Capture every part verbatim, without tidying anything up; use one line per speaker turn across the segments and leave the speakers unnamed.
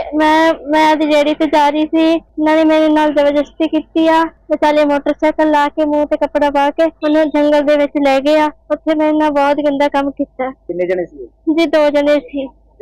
मैं मैं दी रेहड़ी ते जा रही थी। इन्होंने मेरे नाल जबरदस्ती की आ। विचाले मोटरसाइकिल ला के मूँह ते कपड़ा पा के उन्हें जंगल दे विच ले गए। उत्थे मेरे नाल बहुत गंदा काम कीता।
किन्ने जने सी?
जी दो जने सी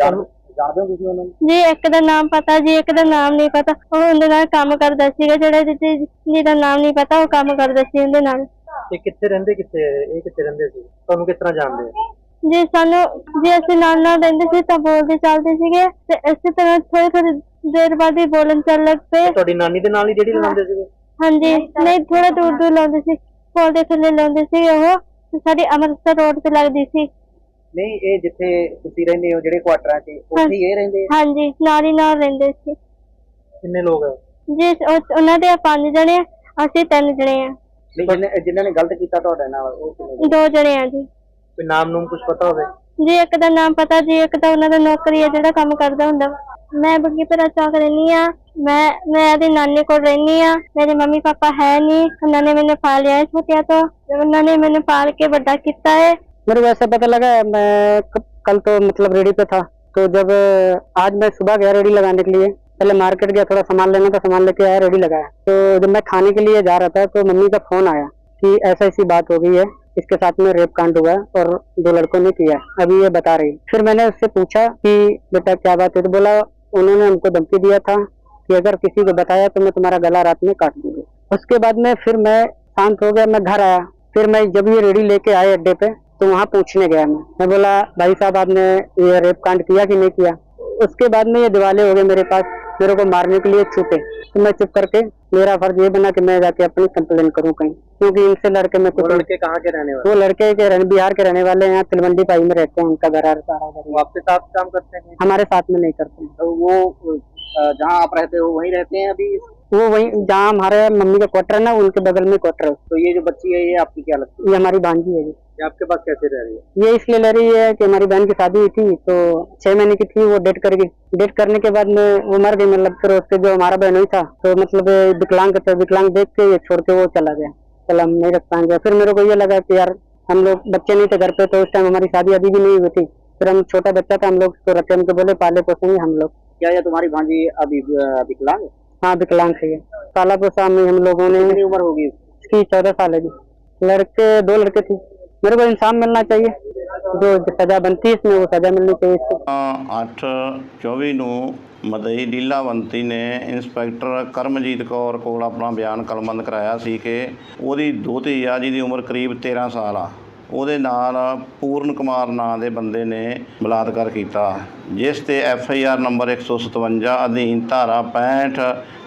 जादे हो तुसीं उन्हां नूं?
जी। एक दा नाम पता जी, एक दा नाम नहीं पता। ਉਹ ਉਹਦੇ ਨਾਲ ਕੰਮ ਕਰਦਾ ਸੀਗਾ, ਜਿਹੜਾ ਜਿਹਦਾ ਨਾਮ ਨਹੀਂ ਪਤਾ ਉਹ ਕੰਮ ਕਰਦਾ ਸੀ ਉਹਦੇ ਨਾਲ।
ਤੇ ਕਿੱਥੇ ਰਹਿੰਦੇ, ਕਿੱਥੇ ਇਹ ਕਿੱਥੇ ਰਹਿੰਦੇ ਸੀ, ਤੁਹਾਨੂੰ ਕਿਸ ਤਰ੍ਹਾਂ ਜਾਣਦੇ ਆ?
ਜੀ ਸਾਨੂੰ ਜੀ ਅਸੀਂ ਨਾਲ ਨਾਲ ਰਹਿੰਦੇ ਸੀ ਤਾਂ ਬੋਲਦੇ ਚੱਲਦੇ ਸੀਗੇ ਤੇ ਇਸੇ ਤਰ੍ਹਾਂ ਥੋੜੀ ਥੋੜੀ ਦੇਰ ਬਾਅਦ ਹੀ ਬੋਲਣ ਚੱਲ ਲੱਗ ਪਏ।
ਤੁਹਾਡੀ ਨਾਨੀ ਦੇ ਨਾਲ ਹੀ ਜਿਹੜੀ ਲਾਉਂਦੇ ਸੀਗੇ?
ਹਾਂਜੀ, ਨਹੀਂ ਥੋੜਾ ਦੂਰ ਦੂਰ ਲਾਉਂਦੇ ਸੀ, ਪੁਲ ਦੇ ਥੱਲੇ ਲਾਉਂਦੇ ਸੀ। ਉਹ ਸਾਡੀ ਅੰਮ੍ਰਿਤਸਰ ਰੋਡ ਤੇ ਲੱਗਦੀ ਸੀ।
ਨਹੀਂ, ਇਹ ਜਿੱਥੇ ਤੁਸੀਂ ਰਹਿੰਦੇ ਹੋ ਜਿਹੜੇ ਕੁਆਟਰਾਂ 'ਚ ਉੱਥੇ ਹੀ ਇਹ ਰਹਿੰਦੇ?
ਹਾਂਜੀ, ਨਾਲ ਹੀ ਨਾਲ ਰਹਿੰਦੇ ਸੀ।
ਕਿੰਨੇ ਲੋਕ ਹੈ
ਜੀ? ਉਹਨਾਂ ਦੇ ਪੰਜ ਜਣੇ, ਅਸੀਂ ਤਿੰਨ ਜਣੇ ਆ।
ਨਹੀਂ, ਜਿਨ੍ਹਾਂ ਨੇ ਗਲਤ ਕੀਤਾ ਤੁਹਾਡੇ ਨਾਲ ਉਹ ਕਿੰਨੇ?
ਦੋ ਜਣੇ ਆ ਜੀ।
ਕੋਈ ਨਾਮ ਨੂਮ ਕੁਝ ਪਤਾ ਹੋਵੇ?
ਜੀ ਇੱਕ ਦਾ ਨਾਮ ਪਤਾ ਜੀ, ਇੱਕ ਤਾਂ ਉਹਨਾਂ ਦਾ ਨੌਕਰੀ ਹੈ ਜਿਹੜਾ ਕੰਮ ਕਰਦਾ ਹੁੰਦਾ। ਮੈਂ ਬੱਗੀਪੁਰਾ ਚੌਕ ਰਹਿੰਦੀ ਆ। ਮੈਂ ਮੈਂ ਇਹਦੀ ਨਾਨੀ ਕੋਲ ਰਹਿੰਦੀ ਆ। ਮੇਰੇ ਮੰਮੀ ਪਾਪਾ है नहीं, उन्होंने मैंने पाल लिया है छोटिया, तो उन्होंने मैंने पाल के बड़ा किया है।
मेरे को ऐसा पता लगा, मैं कल तो मतलब रेडी पे था, तो जब आज मैं सुबह गया रेडी लगाने के लिए, पहले मार्केट गया, थोड़ा सामान लेना था, सामान लेके आया, रेडी लगाया। तो जब मैं खाने के लिए जा रहा था तो मम्मी का फोन आया कि ऐसा ऐसी बात हो गई है, इसके साथ में रेप कांड हुआ और दो लड़कों ने किया, अभी ये बता रही। फिर मैंने उससे पूछा कि बेटा क्या बात है, तो बोला उन्होंने हमको धमकी दिया था कि अगर किसी को बताया तो मैं तुम्हारा गला रात में काट दूंगी। उसके बाद में फिर मैं शांत हो गया, मैं घर आया। फिर मैं जब ये रेडी लेके आए अड्डे पे तो वहाँ पूछने गया मैं मैं बोला भाई साहब आपने ये रेप कांड किया कि नहीं किया? उसके बाद में ये दिवाले हो गए मेरे पास, मेरे को मारने के लिए छूटे। तो मैं चुप करके, मेरा फर्ज ये बना कि मैं जाके अपनी कंप्लेन करूं कहीं, क्योंकि इनसे लड़के में कुछ।
लड़के कहाँ के रहने वाले?
वो लड़के के रहने बिहार के रहने वाले हैं, यहाँ तिलवंडी पाई में रहते हैं, उनका घर सारा।
वो आपके साथ काम करते हैं?
हमारे साथ में नहीं करते हैं।
तो वो जहाँ आप रहते हो वहीं रहते हैं अभी?
वो वहीं जहाँ हमारे मम्मी का क्वार्टर है ना, उनके बगल में क्वार्टर है।
तो ये जो बच्ची है ये आपकी क्या लगती है?
ये हमारी भांजी है जी।
ये आपके पास कैसे रह रही है?
ये इसलिए ले रही है कि हमारी बहन की शादी हुई थी, तो छह महीने की थी, वो डेट कर गई। डेट करने के बाद में वो मर गई, मतलब फिर उसके जो हमारा बहन हुई था तो मतलब विकलांग थे, विकलांग देख के ये छोड़ के वो चला गया, चला हम नहीं रख पाएंगे। फिर मेरे को ये लगा कि यार हम लोग बच्चे नहीं थे घर पे, तो उस टाइम हमारी शादी अभी भी नहीं हुई थी। फिर हम छोटा बच्चा था, हम लोग उसको रखे, हमको बोले पाले पोसेंगे हम लोग।
क्या ये तुम्हारी भांजी अभी विकलांग है?
हाँ विकलांग है ये। पाला पोसा में हम लोगों ने।
कितनी उम्र होगी
इसकी? चौदह साल है जी। लड़के दो लड़के थे। मेरे को इंसाफ मिलना चाहिए, जो सजा बनती है इसमें वो सजा मिलनी चाहिए इसको।
अठ चौबी ਨੂੰ ਮਦਈ ਲੀਲਾਵੰਤੀ ਨੇ ਇੰਸਪੈਕਟਰ ਕਰਮਜੀਤ ਕੌਰ ਕੋਲ ਆਪਣਾ ਬਿਆਨ ਕਲਮਬੰਦ ਕਰਾਇਆ ਸੀ ਕਿ ਉਹਦੀ ਦੋਹਤੀ ਆ ਜਿਹਦੀ ਉਮਰ ਕਰੀਬ ਤੇਰਾਂ ਸਾਲ ਆ, ਉਹਦੇ ਨਾਲ ਪੂਰਨ ਕੁਮਾਰ ਨਾਂ ਦੇ ਬੰਦੇ ਨੇ ਬਲਾਤਕਾਰ ਕੀਤਾ, ਜਿਸ ਤੇ ਐਫ ਆਈ ਆਰ ਨੰਬਰ ਇੱਕ ਸੌ ਸਤਵੰਜਾ ਅਧੀਨ ਧਾਰਾ ਪੈਂਹਠ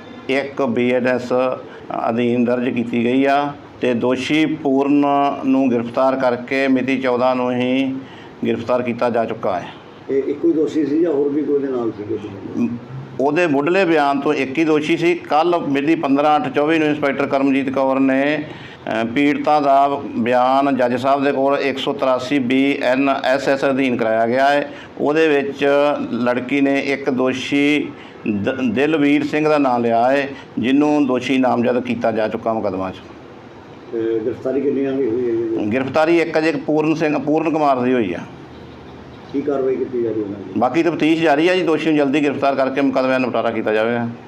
ਇੱਕ ਬੀ ਐਨ ਐਸ ਅਧੀਨ ਦਰਜ ਕੀਤੀ ਗਈ ਆ ਤੇ ਦੋਸ਼ੀ ਪੂਰਨ ਨੂੰ ਗ੍ਰਿਫਤਾਰ ਕਰਕੇ ਮਿਤੀ ਚੌਦਾਂ ਨੂੰ ਹੀ ਗ੍ਰਿਫਤਾਰ ਕੀਤਾ ਜਾ ਚੁੱਕਾ ਹੈ।
ਇਹ ਇੱਕੋ ਹੀ ਦੋਸ਼ੀ ਸੀ ਜਾਂ ਹੋਰ ਵੀ ਕੋਈ ਦੇ ਨਾਲ ਸੀਗੇ?
ਉਹਦੇ ਮੁੱਢਲੇ ਬਿਆਨ ਤੋਂ ਇੱਕ ਹੀ ਦੋਸ਼ੀ ਸੀ। ਕੱਲ੍ਹ ਮਿਤੀ ਪੰਦਰਾਂ ਅੱਠ ਚੌਵੀ ਨੂੰ ਇੰਸਪੈਕਟਰ ਕਰਮਜੀਤ ਕੌਰ ਨੇ ਪੀੜਤਾ ਦਾ ਬਿਆਨ ਜੱਜ ਸਾਹਿਬ ਦੇ ਕੋਲ ਇੱਕ ਸੌ ਤਰਾਸੀ ਬੀ ਐਨ ਐਸ ਐਸ ਅਧੀਨ ਕਰਾਇਆ ਗਿਆ ਹੈ। ਉਹਦੇ ਵਿੱਚ ਲੜਕੀ ਨੇ ਇੱਕ ਦੋਸ਼ੀ ਦ ਦਿਲਵੀਰ ਸਿੰਘ ਦਾ ਨਾਮ ਲਿਆ ਹੈ, ਜਿਹਨੂੰ ਦੋਸ਼ੀ ਨਾਮਜ਼ਦ ਕੀਤਾ ਜਾ ਚੁੱਕਾ ਮੁਕੱਦਮਾ 'ਚ।
गिरफ्तारी कितनी हुई है?
गिरफ्तारी एक अजे पूर्ण सिंह पूर्ण कुमार की हुई है।
की कार्रवाई की जा रही है?
बाकी तफ्तीश जारी है जी, दोषी जल्दी गिरफ्तार करके मुकदमे निपटारा किया जाएगा।